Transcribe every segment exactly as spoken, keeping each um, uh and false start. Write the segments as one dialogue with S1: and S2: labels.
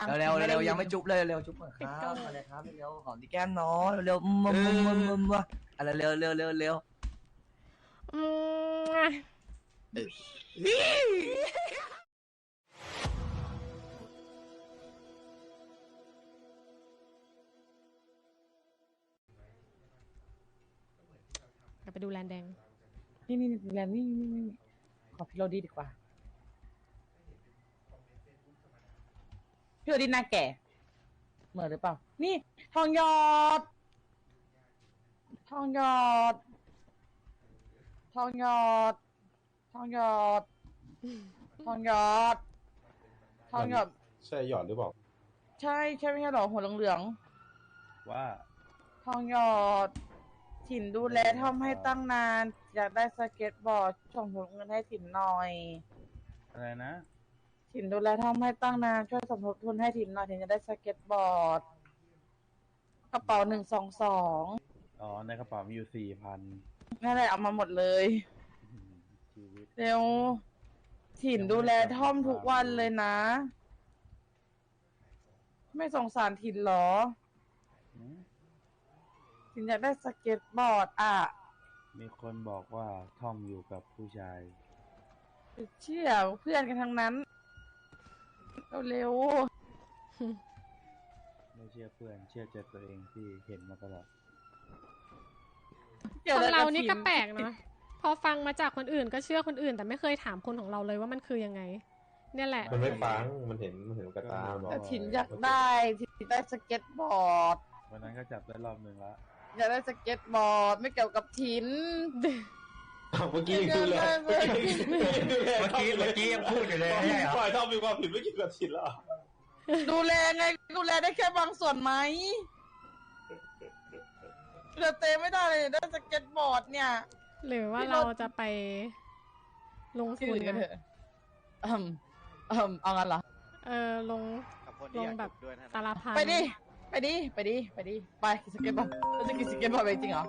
S1: เร็วเร็วเร็วยังไม่จุ๊บเลยเร็วจุ๊บเหมือนครับอะไรครับเร็วหอมที่แก้มน้องเร็วมุมมุมมุมมุมมุมอะไรเร็วเร็วเร็วเร็ว
S2: ไปดูแลนแดง
S3: นี่นี่แลนนี่นี่นี่ขอพี่โรดีดีกว่าพี่โรดีหน้าแก่เหมือนหรือเปล่านี่ทองหยอดทองหยอดทองหยอดทองหยอดทองหยอดทองหยอด
S4: ใช่หยอดหรือเปล่า
S3: ใช่ใช่ไม่ใช่หรอหัวเหลือง
S4: ๆว่า
S3: ทองหยอดถิ่นดูแลทำให้ตั้งนานอยากได้สเก็ตบอร์ดส่งผลเงินให้ถิ่นหน่อย
S4: อะไรนะ
S3: ถิ่นดูแลทำให้ตั้งนานช่วยสมทบทุนให้ถิ่นหน่อยถิ่นจะได้สเก็ตบอร์ดกระเป๋าหนึ่งสองสอง
S4: อ๋อในกระเป๋ามีอยู่สี่พัน
S3: นั่นแหละเอามาหมดเลย
S4: ชีวิต
S3: เร็วถิ่นดูแลท่อมทุกวันเลยนะไม่สงสารถิ่นหรอถิ่นอยากได้สเก็ตบอร์ดอ่ะ
S4: มีคนบอกว่าท่อมอยู่กับผู้ชาย
S3: เชื่อเพื่อนกันทั้งนั้นเร็ว
S4: ไม่เชื่อเพื่อนเชื่อใจตัวเองที่เห็นมาตลอด
S2: ของเรานี่ก็แปลกเนาะพอฟังมาจากคนอื่นก็เชื่อคนอื่นแต่ไม่เคยถามคนของเราเลยว่ามันคือยังไงเนี่ยแหละ
S4: มันไม่ฟังมันเห็นมันเห็นกระตา
S3: แต่ถิ่นอยากได้ถิ่นได้สเก็ตบอร์ด
S4: วันนั้นก็จับได้รอบหนึ่งละ
S3: อยากได้สเก็ตบอร์ดไม่เกี่ยวกับถิ่น
S4: เมื่อกี้ดูแลเมื่อ
S1: กี้เมื่อกี้ยังพูดอยู่เลย
S4: ไม่ปล่อยท่อมมีความผิดไม่เกี่ยวกับถิ่นหรอ
S3: ดูแลไงดูแลได้แค่บางส่วนไหมเรือเตะไม่ได้เลยได้สเก็ตบอร์ดเนี่ย
S2: หรือว่าเราจะไปลงทุน
S3: กันเถอะอืมอืมเอางั้นเหรอ
S2: เออลงลงแบบตาลพัน
S3: ไปดิไปดิไปดิไปดิไปสเก็ตบอร์ดเราจะกินสเก็ตบอร์ดไปจริงเหรอ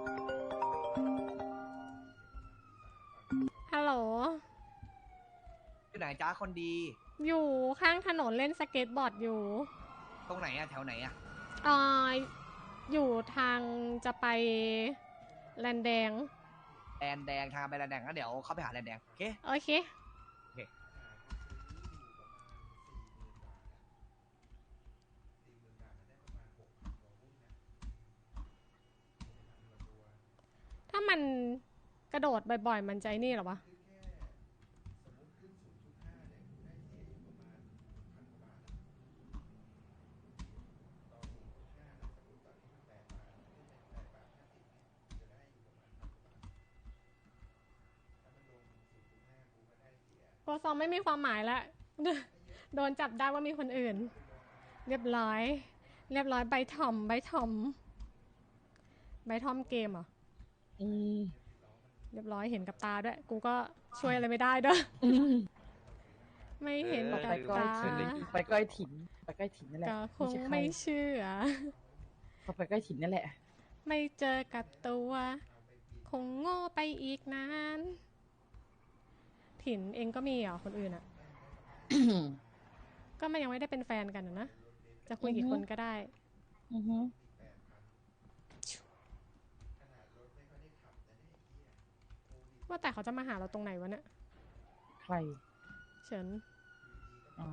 S2: ฮัลโหล
S1: อยู่ไหนจ้าคนดี
S2: อยู่ข้างถนนเล่นสเก็ตบอร์ดอยู่
S1: ตรงไหนอะแถวไหนอะ
S2: อ่าอยู่ทางจะไปแลนแดง
S1: แลนแดงทางไปแลนแดงก็เดี๋ยวเข้าไปหาแลนแดงโอเค
S2: โอเค
S1: โอเค
S2: ถ้ามันกระโดดบ่อยๆมันใจนี่หรอวะโปรซองไม่มีความหมายแล้วโดนจับได้ว่ามีคนอื่นเรียบร้อยเรียบร้อยใบทอมใบทอมใบทอมเกมเหรอ
S3: อืม
S2: เรียบร้อยเห็นกับตาด้วยกูก็ช่วยอะไรไม่ได้ด้วยไม่เห็นกับตา
S3: ไปก้อยถิ่นไปก้อยถิ่นนั่นแหละ
S2: ก็คงไม่เชื่อ
S3: เขาไปก้อยถิ่นนั่นแหละ
S2: ไม่เจอกับตัวคงโง่ไปอีกนานถิ่นเองก็มีเหรอคนอื่นอ่ะ ก็มันยังไม่ได้เป็นแฟนกันนะจะคุยกี่คนก็ได้ว่าแต่เขาจะมาหาเราตรงไหนวะเนี่ย
S3: ใคร
S2: เฉิน
S3: อ๋อ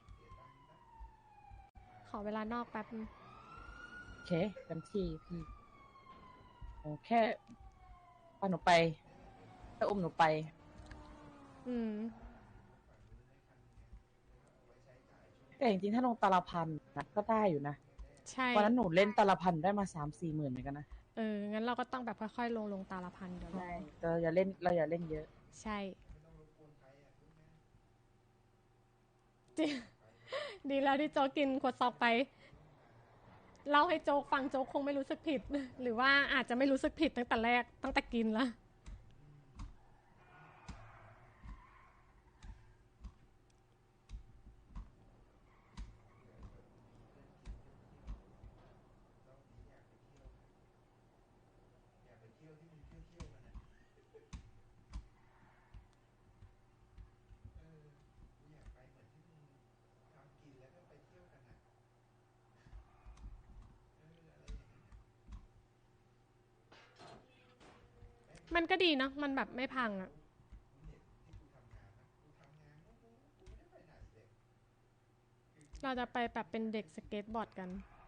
S2: ขอเวลานอกแป๊บ
S3: โอเคเต็มที่พี่โอ้แค่พาหนูไปถ้าอุ้มหนูไป
S2: อืม
S3: แต่จริงๆถ้าลงตาลพันนะก็ได้อยู่นะ
S2: ใช่
S3: วันนั้นหนูเล่นตาลพันได้มาสามสี่หมื่นเหมือนกันนะ
S2: เอองั้นเราก็ต้องแบบค่อยๆลงลงตาลพันเดี๋ยว
S3: เราเราอย่าเล่นเราอย่าเล่นเยอะ
S2: ใช่ดีแล้วที่โจ๊กกินขวดซอกไปเล่าให้โจ๊กฟังโจ๊กคงไม่รู้สึกผิดหรือว่าอาจจะไม่รู้สึกผิดตั้งแต่แรกตั้งแต่กินละมันก็ดีเนาะมันแบบไม่พังอะเราจะไปแบบเป็นเด็กสเก็ตบอร์ดกัน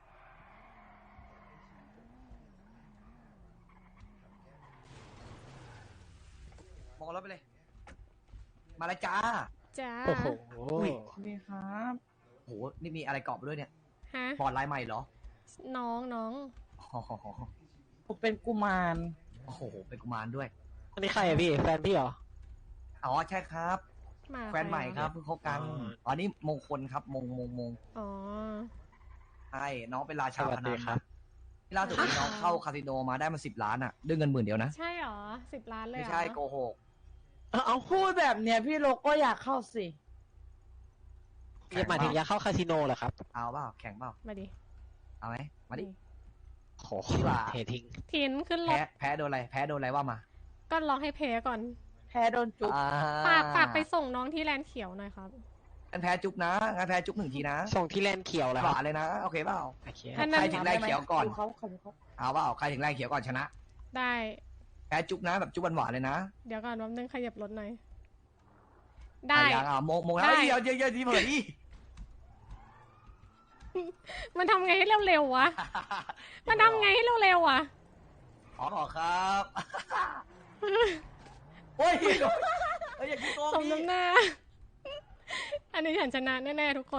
S1: มองรถไปเลย มาเลยจ้า
S2: จ้า
S5: โอ้โห
S1: อุ้ย
S3: สวัสดีครับ
S1: โหนี่มีอะไรเกาะไปด้วยเนี่ย
S2: ฮะ
S1: บอร์ดลายใหม่เหรอ
S2: น้องน้อง
S1: อ๋อ
S3: ผมเป็นกุมาร
S1: โอ้โหเป็นกุมารด้วย
S5: อันนี้ใครอะพี่ แฟนพี่เหรอ
S1: อ๋อใช่ครับ
S2: มา
S1: แฟนใหม่ครับเพิ่งคบกัน
S5: อ๋อ
S1: อ๋อนี่มงคลครับมงมงมง
S2: อ๋อ
S1: ใช่น้องเป็นราชา
S5: สวั
S1: พ
S5: ส
S1: นั
S5: ดี
S1: น
S5: ครั
S1: นะ
S5: บ
S1: ที่ล่าสุดนี้น้องเข้าคาสิโนมาได้มาสิบล้านอ่ะด้วยเงินหมื่นเดียวนะ
S2: ใช่เหรอสิบล้านเลย
S1: ไม่
S2: เหรอ
S1: ใช่โกหก
S5: เอา
S3: พูดแบบเนี้ยพี่โลก็อยากเข้าสิ
S5: จะหมายถึงอยากเข้าคาสิโนเหรอครับ
S1: เอาเปล่าแข่งเปล่า
S2: มาดิ
S1: เอาไหมมาดิ
S5: โห
S1: ดีกว่า
S5: เททิ้ง
S2: ทินขึ้นร
S1: แพ้
S2: ถ
S1: แพ้โดนอะไรแพ้โดนอะไรว่ามา
S2: ก็ร้องให้เพก่อน
S3: แพ้โดนจุ๊บ
S1: อ่
S2: ฝากฝากไปส่งน้องที่แลนด์เขียวหน่อยครับ
S1: งั้นแพ้จุ๊บนะงั้นแพ้จุ๊บหนึ่งทีนะ
S5: ส่งที่แลนด์เขียวแล้ว
S1: ห
S5: ครั
S1: วา
S5: บ
S1: นเลยนะโอเคเปล่า
S5: โอเค
S2: อันนั้น
S1: ใครถึงแรกเขียวก่อน
S3: ดูเขาเขาดูเขา
S1: เอาเปล่าใครถึงแรกเขียวก่อนชนะ
S2: ได้
S1: แพ้จุ๊บนะแบบจุ๊บหวานๆเลยนะ
S2: เดี๋ยวก่อนแป๊บนึงขยับรถหน่อย ได้
S1: อ่ะยังอ่ะโมงโมงแล้ว
S2: ได้
S1: เดี๋ยวเดี๋ยวเดี๋ยวทีเผยดิ
S2: มันทำไงให้เร็วๆวะ มันทำไงให้เร็วๆวะ
S1: ขอขอครับโอ้ยเฮ้ยอย่าคิดโกง
S2: สม
S1: ดิ
S2: น้ำหน้า อันนี้ฉันชนะแน่ๆทุกคน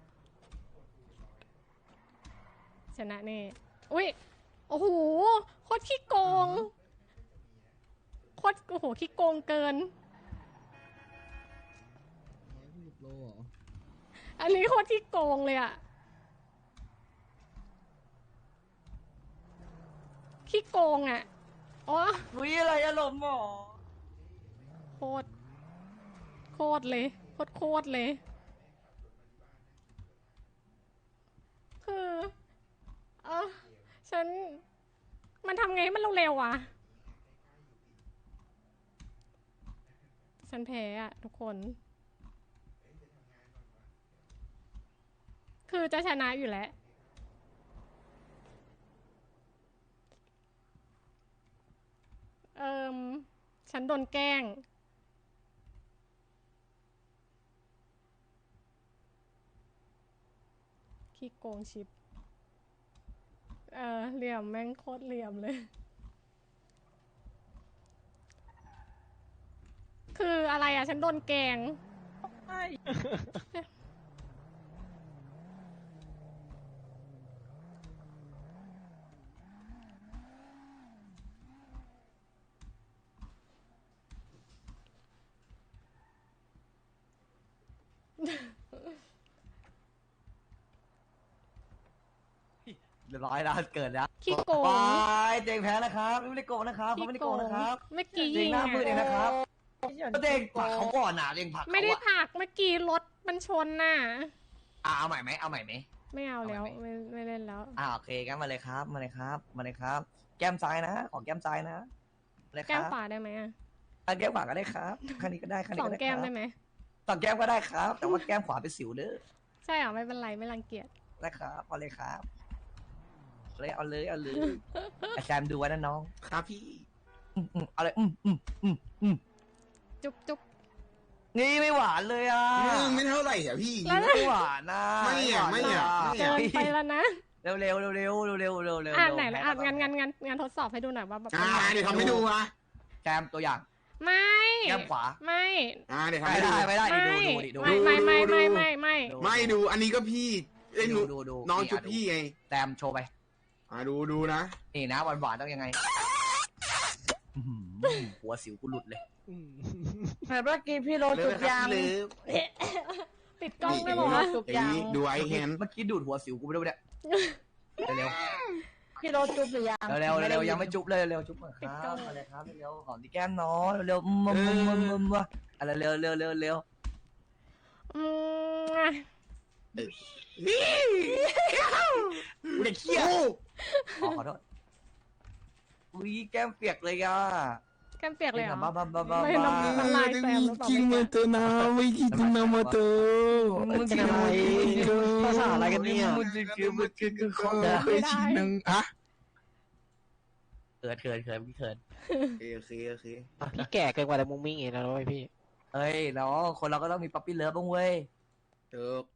S2: ชนะแน่อุ้ย โอ้โห โคตรขี้โกง โคตร โอ้โห ขี้โกงเกิน อันนี้โคตรขี้โกงเลยอะขี้โกงอะอ๋อ
S1: วิอะไรอารมณ์หมอ
S2: โคตร โคตรเลย โคตรโคตรเลย คือเออฉัน มันทำไงให้มันเร็วๆอ่ะ ฉันแพ้อะทุกคน คือจะชนะอยู่แล้ว เอิมฉันโดนแกล้ง ขี้โกงชิป เออเหลี่ยมแม่งโคตรเหลี่ยมเลย คืออะไรอ่ะ ฉันโดนแกล้ง
S3: ใช่
S1: เรียบร้อยแล้วเกิดแล้ว
S2: ขี้โกง
S1: บายเจงแพ้นะครับไม่ได้โกงนะครับเขาไม่ได้โกงนะครับ
S2: เมื่อกี้
S1: เจ
S2: ยิ
S1: ง
S2: ง
S1: หน้ามืดเองนะครับ
S3: พี่หยอน
S1: ก็เจงผลักเขาก่อนนะเจงผลักเขา
S2: ไม่ได้
S1: อะ
S2: ผลักเมื่อกี้รถมันชนน่ะ
S1: อ่ะเอาใหม่ไหมเอาใหม่ไหม
S2: ไม่เอาแล้ว
S1: เอาไหม
S2: ไม่ไม่เล่นแล้ว
S1: อ่าโอเคงั้นมาเลยครับมาเลยครับมาเลยครับ แก้มซ้ายนะขอแก้มซ้ายนะเลยค
S2: แก้
S1: รั
S2: ม
S1: บ
S2: ขวาได้ไหมอะ
S1: อ่ะแก้มขวาก็ได้ครับข้างนี้ก็ได้ข้าง
S2: ส
S1: นี้
S2: อง
S1: ก็ได้
S2: แก้ม
S1: ครับ
S2: ได้ไหม
S1: สองแก้มก็ได้ครับ แต่ว่าแก้มขวาเป็นสิวเด้อ
S2: ใช่เหรอไม่เป็นไรไม่รังเกียจ
S1: นะครับเอาเลยครับเลยเอาเลยเอาเลยอาจารย์ดูไว้นะน้อง
S6: ครับพี่
S1: อืมอืมเอาเลยอืมอืมอืมอืม
S2: จุ๊บจุ๊บ
S1: นี่ไม่หวานเลยอ่ะ
S6: อืมไม่เท่าไหร่อ่ะพี่
S2: แล้ว
S1: ไม่หวานนะ
S6: ไม่อ่ะไม่อ่ะไม่
S2: เกินไปแล้วนะ
S1: เร็วเร็วเร็วเร็วเร็วเร็วเร็วเร็ว
S2: อ่านไหนละอ่านงานงานงานงานทดสอบให้ดูหน่อยว่าแบบ
S6: อ่าเดี๋ยวทำให้ดูอ่ะ
S1: แจมตัวอย่าง
S2: ไม่
S1: แก้มขวา
S2: ไม่
S6: อ่าเดี๋ยวทำ
S1: ไม่
S6: ให้ดู
S1: ได้ไม่ได้
S2: ไม่
S1: นี่ดูดูดิดู
S2: ไม่ไม่ไม่ไม่ไม่ไม่
S1: ดู
S6: ไม่ดูอันนี้ก็พี่เอ้ยหนู
S1: ดูดู
S6: น้อง
S1: นี่
S6: จุด
S1: อ่ะดู
S6: พี่ไง
S1: แจมโชว์ไป
S6: อ่าดูดูนะ
S1: นี่นะหวานหวานๆต้องยังไงอื้อหือหัวสิวกูหลุดเลย
S5: อืม
S3: เหมือนเมื่อกี้พี่โล
S6: เลิ
S3: จุ
S6: ฟ
S3: ด
S6: นะค
S3: ยา
S6: รับ
S3: ง
S6: เลิฟ
S2: ปิดกล้อง
S6: นี่
S2: ได้บอกว่า
S3: จุด
S6: อย่าง
S3: ยาง
S6: นี้ดูไอแฮน
S1: เมื่อกี้ดูดหัวสิวกูไปด้วยเนี่ยเร็ว
S3: พี่โลจุดหรือยัง
S1: เร็วเร็วเร็วๆยังไม่จุ๊บเลยเร็วๆจุ๊บก่อนครับมาเลยครับเร็วๆหอมที่แก้มน้องเร็วๆอืมอืมอืมอืมว่ะอะไรเร็วเร็วเร็วเร็ว
S2: อืมอ่ะ
S1: กูเด็กเขี้ยขอขอโทษอุ้ยแก้มเปียกเลยอ่ะ
S2: แก้มเปียกเลยเหรอ
S1: บ้าบ้าบ้าบ้า
S2: ไม่น้ำมันลายแซมหรือเปล่าไม่แก้
S4: นะไม่คิดนะมาเตอ
S5: มันเป็นอะไรภาษาอะไรกันเนี่ย
S1: มันคือมันคือคือของ
S2: ไม่ได้
S6: หนึ่งอะ
S1: เอขินเขินเขินพี่เขิน
S6: โอเคโอเคโอเค
S5: พี่แก่เกินกว่าแต่มุ้งมิ้งอีกแล้วเว้ยพี่
S1: เฮ้ยน้องคนเราก็ต้องมีป๊อปปี้เลิฟบ้างเว้ย
S6: เถูก